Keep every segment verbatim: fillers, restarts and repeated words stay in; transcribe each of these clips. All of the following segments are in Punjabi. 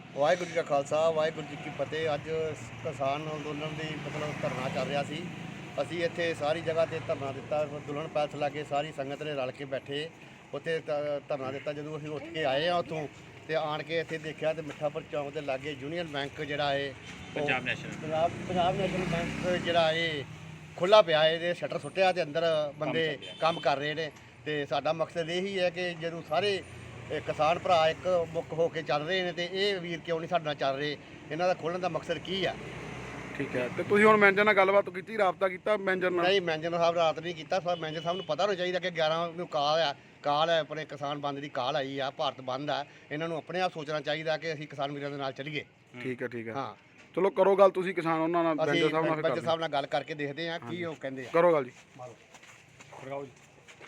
ਵਾਹਿਗੁਰੂ ਜੀ ਕਾ ਖਾਲਸਾ ਵਾਹਿਗੁਰੂ ਜੀ ਕੀ ਫਤਿਹ। ਅੱਜ ਕਿਸਾਨ ਅੰਦੋਲਨ ਦੀ ਮਤਲਬ ਧਰਨਾ ਚੱਲ ਰਿਹਾ ਸੀ। ਅਸੀਂ ਇੱਥੇ ਸਾਰੀ ਜਗ੍ਹਾ ਤੇ ਧਰਨਾ ਦਿੱਤਾ। ਦੁਲਹਨ ਪੈਲਸ ਲਾਗੇ ਸਾਰੀ ਸੰਗਤ ਨੇ ਰਲ ਕੇ ਬੈਠੇ ਉੱਥੇ ਧ- ਧਰਨਾ ਦਿੱਤਾ। ਜਦੋਂ ਅਸੀਂ ਉੱਠ ਕੇ ਆਏ ਆ ਉੱਥੋਂ ਤੇ ਆਣ ਕੇ ਇੱਥੇ ਦੇਖਿਆ ਤੇ ਮਿੱਠਾਪੁਰ ਚੌਂਕ ਦੇ ਲਾਗੇ ਯੂਨੀਅਨ ਬੈਂਕ ਜਿਹੜਾ ਹੈ Punjab national Punjab Punjab national bank ਜਿਹੜਾ ਇਹ ਖੁੱਲ੍ਹਾ ਪਿਆ ਹੈ। ਇਹਦੇ ਸ਼ਟਰ ਸੁੱਟਿਆ ਤੇ ਅੰਦਰ ਬੰਦੇ ਕੰਮ ਕਰ ਰਹੇ ਨੇ। ਤੇ ਸਾਡਾ ਮਕਸਦ ਇਹ ਹੀ ਹੈ ਕਿ ਜਦੋਂ ਸਾਰੇ ਇਹ ਕਿਸਾਨ ਭਰਾ ਇੱਕ ਮੁੱਖ ਹੋ ਕੇ ਚੱਲ ਰਹੇ ਨੇ ਤੇ ਇਹ ਵੀਰ ਕਿਉਂ ਨਹੀਂ ਸਾਡੇ ਨਾਲ ਚੱਲ ਰਹੇ, ਇਹਨਾਂ ਦਾ ਖੋਲ੍ਹਣ ਦਾ ਮਕਸਦ ਕੀ ਆ? ਠੀਕ ਹੈ। ਤੇ ਤੁਸੀਂ ਹੁਣ ਮੈਨੇਜਰ ਨਾਲ ਗੱਲਬਾਤ ਕੀਤੀ, ਰਾਬਤਾ ਕੀਤਾ ਮੈਨੇਜਰ ਨਾਲ? ਨਹੀਂ, ਮੈਨੇਜਰ ਸਾਹਿਬ ਰਾਤ ਨਹੀਂ ਕੀਤਾ। ਸਰ ਮੈਨੇਜਰ ਸਾਹਿਬ ਨੂੰ ਪਤਾ ਹੋਣਾ ਚਾਹੀਦਾ ਕਿ ਗਿਆਰਾਂ ਨੂੰ ਕਾਲ ਆ ਕਾਲ ਹੈ ਆਪਣੇ ਕਿਸਾਨ ਬੰਦ ਦੀ ਕਾਲ ਆਈ ਆ, ਭਾਰਤ ਬੰਦ ਆ। ਇਹਨਾਂ ਨੂੰ ਆਪਣੇ ਆਪ ਸੋਚਣਾ ਚਾਹੀਦਾ ਕਿ ਅਸੀਂ ਕਿਸਾਨ ਵੀਰਾਂ ਦੇ ਨਾਲ ਚੱਲੀਏ। ਠੀਕ ਹੈ ਠੀਕ ਹੈ ਹਾਂ, ਚਲੋ ਕਰੋ ਗੱਲ ਤੁਸੀਂ ਕਿਸਾਨ ਉਹਨਾਂ ਨਾਲ, ਅਸੀਂ ਮੈਨੇਜਰ ਸਾਹਿਬ ਨਾਲ ਫਿਰ ਮੈਨੇਜਰ ਕਰਦੇ ਸਾਹਿਬ ਨਾਲ ਗੱਲ ਕਰਕੇ ਦੇਖਦੇ ਹਾਂ ਕੀ ਉਹ ਕਹਿੰਦੇ ਆ। ਕਰੋ ਗੱਲ ਜੀ। ਖੜਕਾਓ ਜੀ।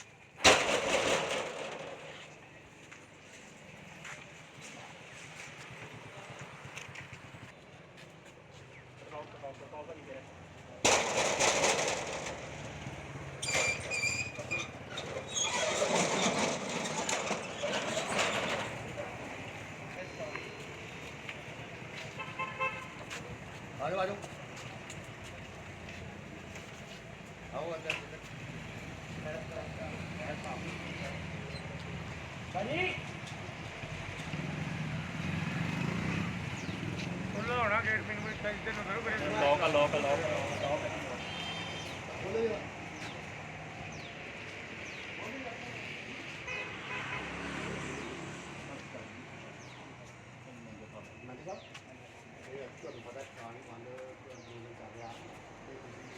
ਆਜੋ ਆਜੋ ਆਓ ਅੰਦਰ। ਭਾਜੀ ਖੁੱਲ੍ਹਾ ਹੋਣਾ ਗੇਟ ਮੈਨੂੰ ਕੋਈ ਟੈਂਸ਼ਨ ਨਾ ਕਰੋ। ਕਰੇ ਲੋਕ ਲੋਕ ਲੋਕ ਤੁਹਾਨੂੰ ਪਤਾ ਕਿਸਾਨ ਬੰਦ ਅੰਦੋਲਨ ਚੱਲ ਰਿਹਾ ਤੇ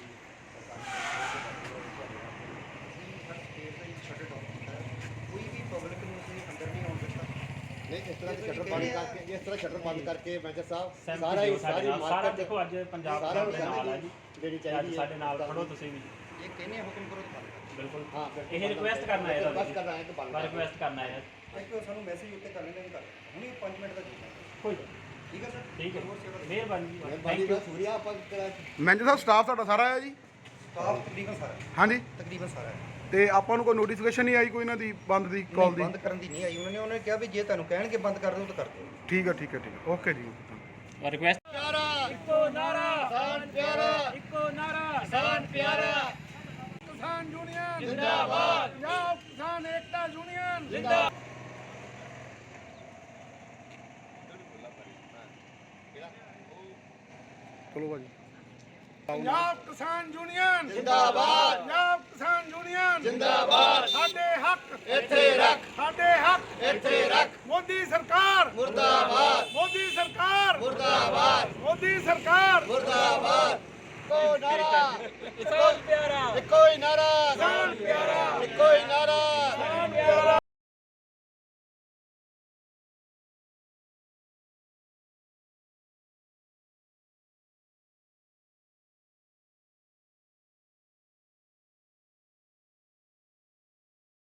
ਕੋਈ ਵੀ ਪਬਲਿਕ ਨੂੰ ਅਸੀਂ ਅੰਦਰ ਨਹੀਂ ਆਉਣ ਦਿੱਤਾ। ਨਹੀਂ, ਇਸ ਤਰ੍ਹਾਂ ਦੇ ਸ਼ਟਰ ਬੰਦ ਕਰਕੇ ਇਸ ਤਰ੍ਹਾਂ ਸ਼ਟਰ ਬੰਦ ਕਰਕੇ ਮੈਨੇਜਰ ਸਾਹਿਬ ਸਹਿਮਤੀ ਸਾਰਾ ਹੀ ਦਿਓ ਸਾਡੇ ਸਾਰੀ ਨਾਲ। ਸਾਰਾ ਮਾਰਕੀਟ ਦੇਖੋ ਅੱਜ ਪੰਜਾਬ ਸਾਰਾ ਦੇ ਨਾਲ ਆ ਜੀ। ਦੇਣੀ ਅੱਜ ਚਾਹੀਦੀ ਹੈ। ਸਾਡੇ ਨਾਲ ਖੜੋ ਤੁਸੀਂ ਵੀ। ਇਹ ਕਹਿੰਦੇ ਆ ਹੁਕਮ ਕਰੋ ਤਾਂ ਬੰਦ ਕਰੋ। ਬਿਲਕੁਲ ਹਾਂ, ਇਹ ਰਿਕੁਐਸਟ ਕਰਨਾ ਹੈ ਰਿਕੁਐਸਟ ਕਰਨਾ ਹੈ ਕਿ ਬੰਦ ਕਰ ਰਿਕੁਐਸਟ ਕਰਨਾ ਹੈ। ਇੱਕ ਸਾਨੂੰ ਮੈਸੇਜ ਉੱਤੇ ਕਰ ਲੈਣਾ ਵੀ ਕਰ ਹੁਣੇ ਪੰਜ ਮਿੰਟ ਦਾ ਜੁੜਨਾ। ਕੋਈ ਗੱਲ ਠੀਕ ਹੈ ਸਰ? ਠੀਕ ਹੈ। ਹੋਰ ਸੇਵਾ ਦਾ ਮਿਹਰਬਾਨੀ ਜੀ। ਮਿਹਰਬਾਨੀ ਦਾ ਸੂਰਿਆ ਆਪਾਂ ਕਿਹੜਾ ਮੈਨੇਜਰ ਸਾਹਿਬ ਸਟਾਫ ਤੁਹਾਡਾ ਸਾਰਾ ਆਇਆ ਜੀ? ਸਟਾਫ ਤਕਰੀਬਨ ਸਾਰਾ ਹੈ। ਹਾਂਜੀ। ਤਕਰੀਬਨ ਸਾਰਾ ਹੈ। ਤੇ ਆਪਾਂ ਨੂੰ ਕੋਈ ਨੋਟੀਫਿਕੇਸ਼ਨ ਨਹੀਂ ਆਈ ਕੋਈ ਇਹਨਾਂ ਦੀ ਬੰਦ ਦੀ ਕਾਲ ਨਹੀਂ, ਦੀ? ਬੰਦ ਕਰਨ ਦੀ ਨਹੀਂ ਆਈ। ਉਹਨਾਂ ਨੇ ਉਹਨਾਂ ਨੇ ਕਿਹਾ ਵੀ ਜੇ ਤੁਹਾਨੂੰ ਕਹਿਣਗੇ ਬੰਦ ਕਰ ਦਿਓ ਤਾਂ ਕਰ ਦਿਓ। ਠੀਕ ਹੈ ਠੀਕ ਹੈ ਠੀਕ ਹੈ ਓਕੇ ਜੀ। ਰਿਕੁਐਸਟ ਪਿਆਰਾ ਇੱਕੋ ਨਾਰਾ ਕਿਸਾਨ ਪਿਆਰਾ ਇੱਕੋ ਨਾਰਾ ਕਿਸਾਨ ਪਿਆਰਾ ਕਿਸਾਨ ਯੂਨੀਅਨ ਜਿੰਦਾਬਾਦ ਪੰਜਾਬ ਕਿਸਾਨ ਏਕਤਾ ਯੂਨੀਅਨ ਜਿੰਦਾਬਾਦ। ਚਲੋ ਭਾਜੀ। ਪੰਜਾਬ ਕਿਸਾਨ ਯੂਨੀਅਨ ਜਿੰਦਾਬਾਦ ਪੰਜਾਬ ਕਿਸਾਨ ਯੂਨੀਅਨ ਜਿੰਦਾਬਾਦ। ਸਾਡੇ ਹੱਕ ਇੱਥੇ ਰੱਖ ਸਾਡੇ ਹੱਕ ਇੱਥੇ ਰੱਖ ਮੋਦੀ ਸਰਕਾਰ ਮੁਰਦਾਬਾਦ ਮੋਦੀ ਸਰਕਾਰ ਮੁਰਦਾਬਾਦ ਮੋਦੀ ਸਰਕਾਰ ਮੁਰਦਾਬਾਦ